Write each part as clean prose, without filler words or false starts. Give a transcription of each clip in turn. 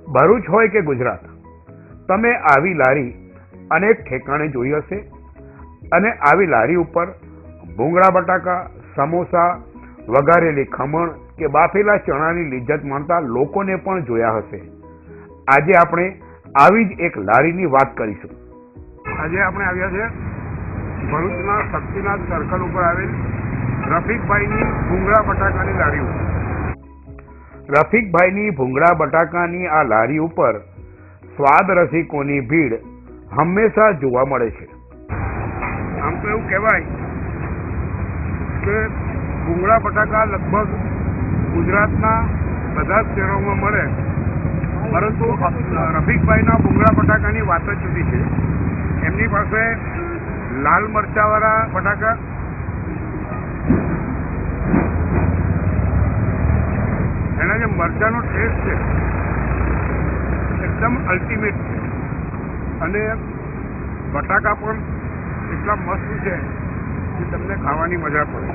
ભરૂચ હોય કે ગુજરાત, તમે આવી લારી અનેક ઠેકાણે જોઈ હશે અને આવી લારી ઉપર ભૂંગળા બટાકા, સમોસા, વઘારેલી ખમણ કે બાફેલા ચણાની લિજ્જત માણતા લોકોને પણ જોયા હશે. આજે આપણે આવી જ એક લારીની વાત કરીશું. આજે આપણે આવ્યા છે ભરૂચના શક્તિનાથ સર્કલ ઉપર આવેલ રફીકભાઈની ભૂંગળા બટાકાની લારી ઉપર. રફીકભાઈની ભૂંગળા બટાકાની આ લારી ઉપર સ્વાદ રસિકોની ભીડ હંમેશા જોવા મળે છે. આમ તો એવું કહેવાય કે ભૂંગળા બટાકા લગભગ ગુજરાતના બધા જ શહેરોમાં મળે, પરંતુ રફીકભાઈના ભૂંગળા બટાકાની વાત જ જુદી છે. એમની પાસે લાલ મરચાવાળા બટાકા, એના જે મરચાનો ટેસ્ટ છે એકદમ અલ્ટિમેટ છે અને બટાકા પણ એટલા મસ્ત છે કે તમને ખાવાની મજા પડે.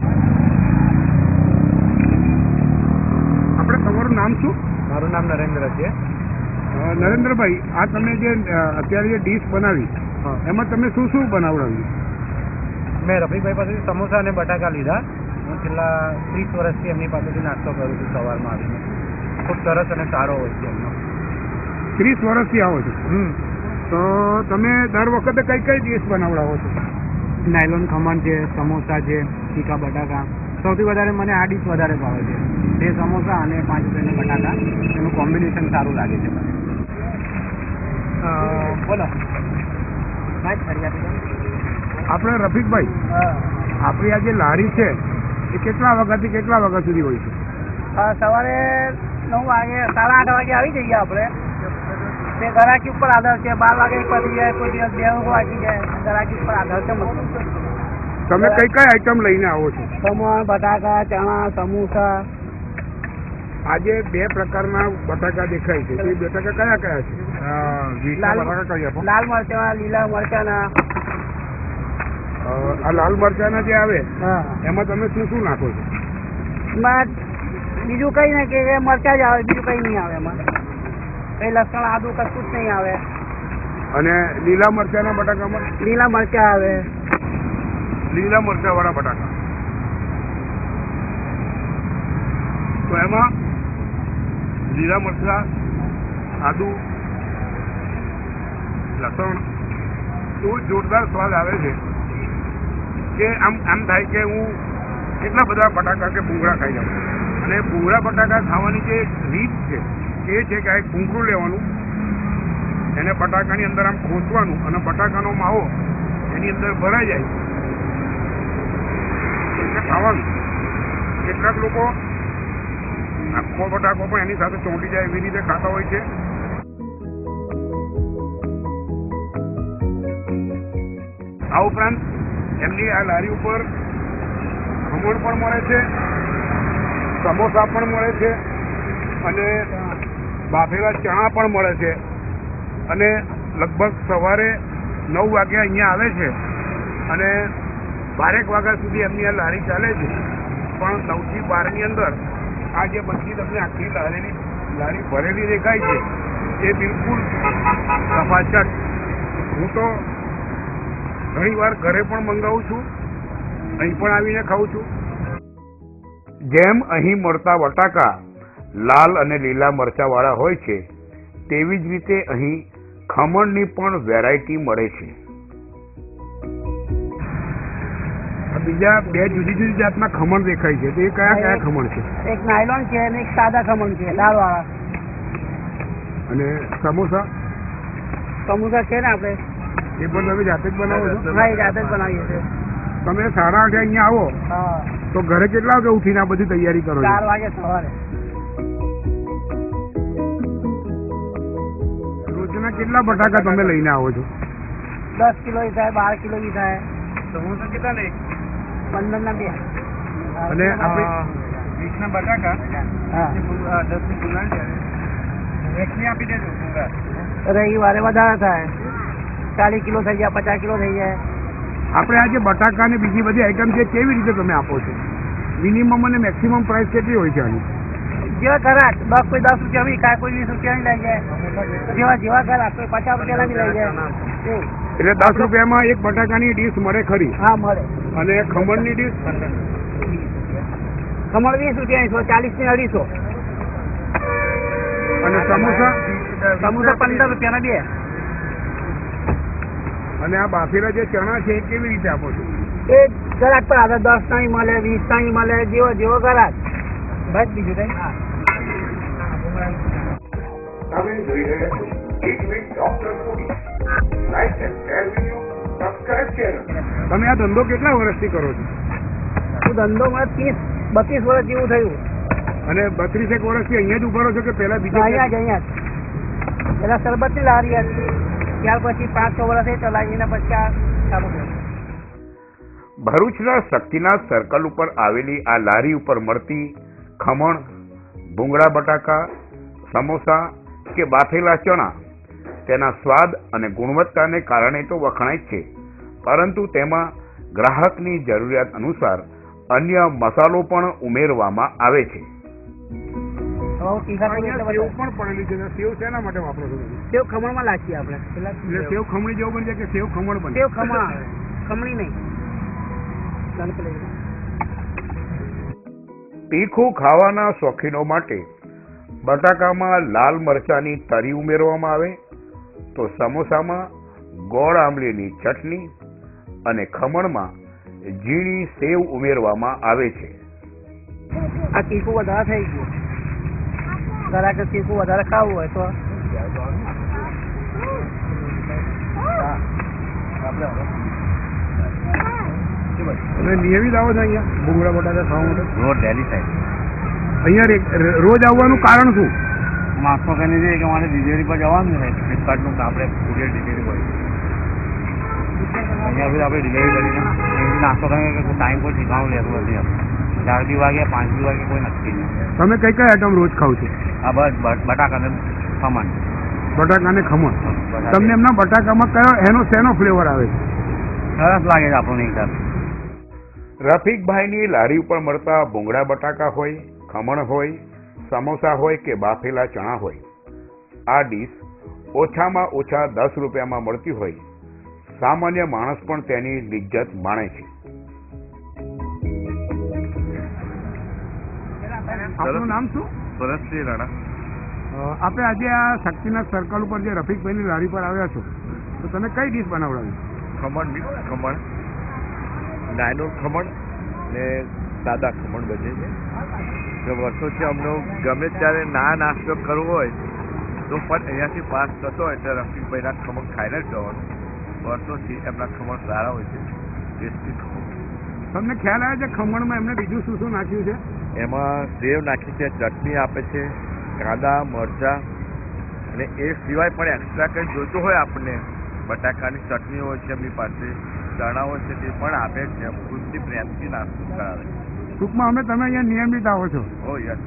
આપણે તમારું નામ શું? મારું નામ નરેન્દ્ર છે. નરેન્દ્રભાઈ, આ તમે જે અત્યારે જે ડીશ બનાવી એમાં તમે શું શું બનાવડાવ્યું? મેં રફીકભાઈ પાસેથી સમોસા અને બટાકા લીધા. હું છેલ્લા 30 વર્ષથી એમની પાસેથી નાસ્તો કરું છું સવારમાં આવીને. ખૂબ સરસ અને સારો હોય છે એમનો. 30 વર્ષથી આવો છો? તો તમે દર વખતે કઈ કઈ ડીશ બનાવડાવો છો? નાયલોન ખમણ છે, સમોસા છે, તીખા બટાકા. સૌથી વધારે મને આ ડીશ વધારે ભાવે છે. 2 સમોસા અને 5 રૂપિયાના બટાકા, એનું કોમ્બિનેશન સારું લાગે છે મને. બોલો. આપણે રફીકભાઈ, આપણી આ જે લારી છે એ કેટલા વાગ્યાથી કેટલા વાગ્યા સુધી હોય છે? સવારે 9 વાગે, 8:30 વાગે આવી જઈએ આપણે. તે ગરાકી ઉપર આધાર છે. 12 વાગે પતી જાય, કોઈ દિવસ 2 વાગી જાય. ગરાકી ઉપર આધાર છે. તમે કઈ કઈ આઈટમ લઈને આવો છો? ખમણ, બટાકા, ચણા, સમોસા. આજે 2 પ્રકારના બટાકા દેખાય છે. તે બટાકા કયા કયા છે? લાલ મરચા, લીલા મરચાના. આ લાલ મરચાના જે આવે હા, એમાં તમે શું શું નાખો છો? એમાં બીજું કઈ નહીં કે મરચા જ આવે, બીજું કઈ નહીં આવે એમાં. કઈ લસણ, આદુ કશું જ નહીં આવે. અને લીલા મરચાના બટાકામાં? લીલા મરચા આવે. લીલા મરચા વાળા બટાકા. તો એમાં લીલા મરચા, આદુ, લસણ એવું જોરદાર સ્વાદ આવે છે કે આમ થાય કે હું કેટલા બધા બટાકા કે ભૂંગળા ખાઈ જાઉં. અને ભૂંગળા બટાકા ખાવાની જે રીત છે એ છે કે આ એક ભૂંગળું લેવાનું, એને બટાકાની અંદર આમ ખોસવાનું અને બટાકાનો માવો એની અંદર ભરાઈ જાય એટલે ખાવાનું. કેટલાક લોકો આખો બટાકો પણ એની સાથે ચોંટી જાય એવી રીતે ખાતા હોય છે. આ ઉપરાંત એમની આ લારી ઉપર ખમણ પણ મળે છે, સમોસા પણ મળે છે અને બાફેલા ચણા પણ મળે છે. અને લગભગ સવારે 9 વાગે અહીંયા આવે છે અને 12 વાગ્યા સુધી એમની આ લારી ચાલે છે. પણ 9 થી 12ની અંદર આ જે બધી તમને આખી લારી ભરેલી દેખાય છે એ બિલકુલ સફાચટ. હું તો ઘણી વાર ઘરે પણ મંગાવું છું, અહીં પણ આવીને ખાઉં છું. જેમ અહીં મળતા બટાકા લાલ અને લીલા મરચા વાળા હોય છે, તેવી જ રીતે અહીં ખમણની પણ વેરાયટી મળે છે. બીજા 2 જુદી જુદી જાતના ખમણ દેખાય છે, તો એ કયા કયા ખમણ છે? એક નાયલોન છે અને એક સાદા ખમણ છે, દાળવાળા. અને સમોસા? સમોસા છે ને આપણે, એ પણ તમે જાતે જ બનાવો છો? હા, એ જાતે જ બનાવીએ છીએ. તમે 8:30 અહીંયા આવો હા, તો ઘરે કેટલા વાગે ઉઠીને આ બધી તૈયારી કરો છો? 4 વાગે સવારે. રોજના કેટલા બટાકા તમે લઈને આવો છો? 10 કિલો થાય, 12 કિલો થાય. સમોસા કેટલા લે? 15 ના 2. અને આપણે 20 ના બટાકા, હા, 10 ની ભૂંગળા છે. 1 ની આપી દેજો ભૂંગળા. રવિવારે વધારે થાય, 40 કિલો થઈ જાય, 50 કિલો થઈ જાય. આપણે આ જે બટાકા ને બીજી બધી આઈટમ છે કેવી રીતે તમે આપો છો? મિનિમમ અને મેક્સિમમ પ્રાઇસ કેટલી હોય છે આની? જેવા ઘરાક કોઈ 10 રૂપિયા બી ખાય, કોઈ 20 રૂપિયા લઈ જાય, જેવા ઘરાક કોઈ 50 રૂપિયા બી લઈ જાય એવું. એટલે 10 રૂપિયામાં એક બટાકાની ડીશ મળે ખરી? હા મળે. અને ખમણની ડીશ? ખમણ 20 રૂપિયાની 40 ની 250. અને સમોસા? સમોસા 15 રૂપિયાના 2. અને આ બાફેલા જે ચણા છે એ કેવી રીતે આપો છો? એ ઘરાક પર આધાર 10 ના મળે, 20 ના મળે, જેવો ઘરાક. બસ બીજું કઈ. તમે જોઈ રહ્યા છો એક week doctor foodie. Like and share video, subscribe channel. તમે આ ધંધો કેટલા વર્ષથી કરો છો? હું ધંધો મને 30-32 વર્ષ જેવું થયું. અને 32 વર્ષથી અહીંયા જ ઉભા રહો છો કે પહેલા બીજા? અહીંયા જ. પેલા શરબતની લારી હતી, ત્યાર પછી 5-6 વર્ષ એ ચલાવીને પછી આ ચાલુ કર્યું. ભરૂચના શક્તિનાથ સર્કલ ઉપર આવેલી આ લારી ઉપર મળતી ખમણ, ભૂંગળા બટાકા, સમોસા કે બાફેલા ચણા તેના સ્વાદ અને ગુણવત્તાને કારણે તો વખણાય જ છે, પરંતુ તેમાં ગ્રાહકની જરૂરિયાત અનુસાર અન્ય મસાલો પણ ઉમેરવામાં આવે છે. અહીંયા સેવ પણ પડેલી છે. સેવ શેના માટે વાપરો છો? સેવ ખમણમાં નાખીએ આપણે. એટલે સેવ ખમણી જેવું બની જાય કે સેવ ખમણ બને? સેવ ખમણ આવે, ખમણી નહીં. તીખું ખાવાના શોખીનો માટે બટાકામાં લાલ મરચાની તરી ઉમેરવામાં આવે તો સમોસામાં ગોળ આંબલીની ચટણી અને ખમણમાં ઝીણી સેવ ઉમેરવામાં આવે છે. આ તીખું વધારે થઈ ગયું. ઘરાક તીખું વધારે ખાવું હોય તો તમે નિયમિત આવો છો અહીંયા ભૂંગળા બટાકા ખાવા માટે? રોજ ડેલી સાઈડ અહીંયા રોજ આવવાનું કારણ શું? નાસ્તો કરીને જઈએ કે મારે ડિલિવરી પર જવાનું છે, ફ્લિપકાર્ટનું આપણે કુરિયર ડિલિવરી પર અહીંયા સુધી આપણે ડિલિવરી કરીને નાસ્તો કરીને ટાઈમ કોઈ ઠીકાણું લેતું નથી. 4 વાગે 5 વાગે કોઈ નક્કી નહીં. તમે કઈ કઈ આઈટમ રોજ ખાવ છો? આ બસ બટાકા ને ખમણ. બટાકા ને ખમણ. તમને એમના બટાકામાં કયો શેનો ફ્લેવર આવે છે? સરસ લાગે છે આપણને એકદમ. રફીકભાઈની લારી ઉપર મળતા ભૂંગળા બટાકા હોય, ખમણ હોય, સમોસા હોય કે બાફેલા ચણા હોય, આ ડીશ ઓછામાં ઓછા 10 રૂપિયામાં મળતી હોય સામાન્ય માણસ પણ તેની લિજ્જત માણે છે. આપનું નામ શું? ભરતસિંહ રાણા. આપણે આજે આ શક્તિનાથ સર્કલ ઉપર જે રફીકભાઈની લારી પર આવ્યા છો તો તમે કઈ ડીશ બનાવડાવી? ખમણ મિક્સ ખમણ, નાયલોન ખમણ ને સાદા ખમણ બને છે. જો વર્ષોથી અમને ગમે ત્યારે નાસ્તો કરવો હોય તો પણ અહીંયાથી પાસ થતો હોય એટલે રફીકભાઈના ખમણ ખાઈને જ જવાનું. વર્ષોથી એમના ખમણ સારા હોય છે, ટેસ્ટી ખમણ. તમને ખ્યાલ આવે છે ખમણમાં એમને બીજું શું શું નાખ્યું છે? એમાં સેવ નાખી છે, ચટણી આપે છે, કાંદા, મરચાં, અને એ સિવાય પણ એક્સ્ટ્રા કંઈ જોઈતું હોય આપણને બટાકાની ચટણી હોય છે એમની પાસે, ચણા હોય છે તે પણ આપે છે. ખુદથી પ્રેમથી નાસ્તો કરાવે. ટૂંકમાં અમે તમે અહીંયા નિયમિત આવો છો? Oh yes.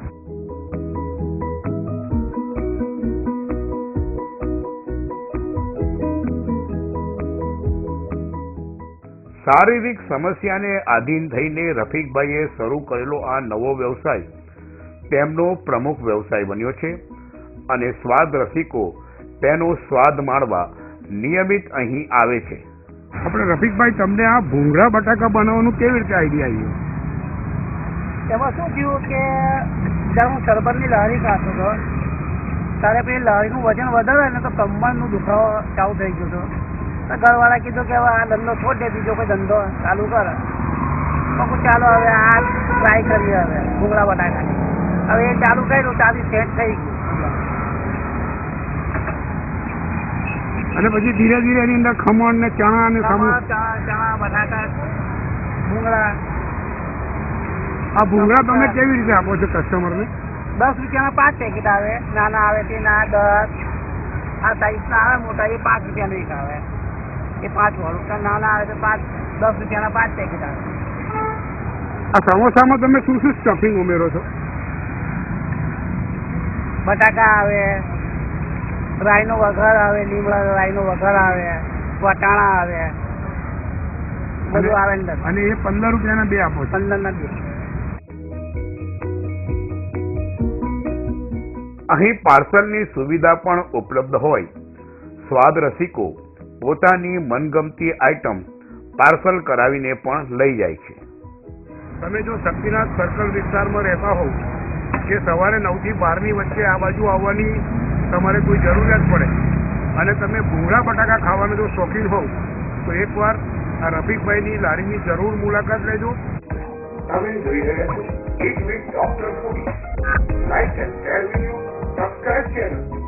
શારીરિક સમસ્યાને આધીન થઈને રફીકભાઈએ શરૂ કરેલો આ નવો વ્યવસાય તેમનો પ્રમુખ વ્યવસાય બન્યો છે અને સ્વાદ રસિકો તેનો સ્વાદ માણવા નિયમિત અહીં આવે છે. આપણે રફીકભાઈ તમને આ ભૂંગળા બટાકા બનાવવાનું કેવી રીતે આઈડિયા આવ્યો? એમાં શું થયું કે જ્યારે હું શરબતની લારી ખાતો હતો ત્યારે પેલી લારીનું વજન વધારે ને તો કમરનું દુખાવો ચાલુ થઈ ગયો હતો. તો ઘરવાળા કીધું કે હવે આ ધંધો છોડ દે, બીજો કોઈ ધંધો ચાલુ કર. તો ચાલો હવે આ ટ્રાય કરીએ. હવે ભૂંગળા બટાકાની હવે એ ચાલુ કર્યું ત્યાંથી સેટ થઈ ગયું. અને પછી ધીરે ધીરે એની અંદર ખમણ ને ચણા ને ચણા બટાકા ભૂંગળા. આ ભૂંગળા તમે કેવી રીતે આપો છો કસ્ટમરને? 10 રૂપિયાના 5 પેકેટ આવે, નાના આવે તે ના 10, આ સાઈઝના આવે મોટા એ 5 રૂપિયાનું એક આવે, એ 5 વાળું. નાના આવે તો 10 રૂપિયાના 5 પેકેટ આવે. આ સમોસામાં તમે શું શું સ્ટફિંગ ઉમેરો છો? બટાકા આવે, રાઈનો વઘાર આવે, લીમડા રાઈનો વઘાર આવે, વટાણા આવે, બધું આવે અંદર. અને એ 15 રૂપિયાના 2 આપો છો? 15 ના 2. અહીં પાર્સલની સુવિધા પણ ઉપલબ્ધ હોય સ્વાદ રસિકો પોતાની મનગમતી આઈટમ પાર્સલ કરાવીને પણ લઈ જાય છે. તમે જો શક્તિનાથ સર્કલ વિસ્તારમાં રહેતા હોવ કે સવારે 9 થી 12 ની વચ્ચે આ બાજુ આવવાની તમારે કોઈ જરૂરિયાત પડે અને તમે ભૂંગળા બટાકા ખાવાના જો શોખીન હોવ તો એકવાર આ રફીકભાઈની લારીની જરૂર મુલાકાત લેજો. તમે જોઈ રહ્યા છો એક week doctor food like and share video subscribe channel.